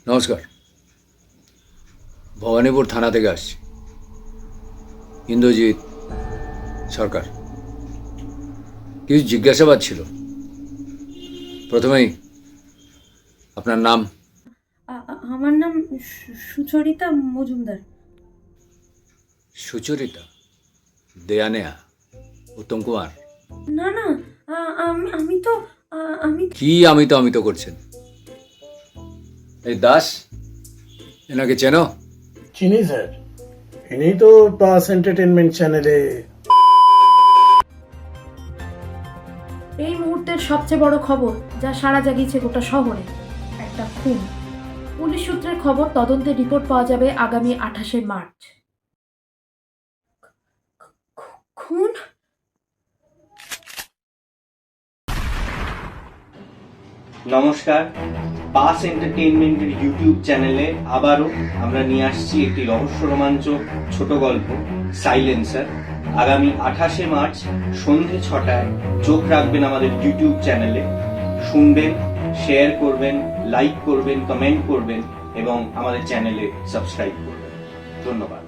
নমস্কার, ভবানীপুর থানা থেকে আসছি। ইন্দ্রজিৎ সরকার। কিছু জিজ্ঞাসাবাদ ছিল। প্রথমেই আপনার নাম? আমার নাম সুচরিতা মজুমদার। সুচরিতা? দেয়ানেয়া? উত্তম কুমার? না না, আমি তো আমি কি আমি তো করছেন? এই দাস, এনাকে চেনো? চিনি স্যার, ইনি তো পাস এন্টারটেনমেন্ট চ্যানেলে। এই মুহূর্তের সবচেয়ে বড় খবর যা সাড়া জাগিয়েছে গোটা শহরে, একটা খুন। পুলিশ সূত্রের খবর, তদন্তের রিপোর্ট পাওয়া যাবে আগামী 28শে মার্চ। খুন? নমস্কার, পাস এন্টারটেইনমেন্টের ইউটিউব চ্যানেলে আবারও আমরা নিয়ে আসছি একটি রহস্য রোমাঞ্চক ছোট গল্প, সাইলেন্সার। আগামী 28শে মার্চ সন্ধে 6টায় চোখ রাখবেন আমাদের ইউটিউব চ্যানেলে। শুনবেন, শেয়ার করবেন, লাইক করবেন, কমেন্ট করবেন এবং আমাদের চ্যানেলে সাবস্ক্রাইব করবেন। ধন্যবাদ।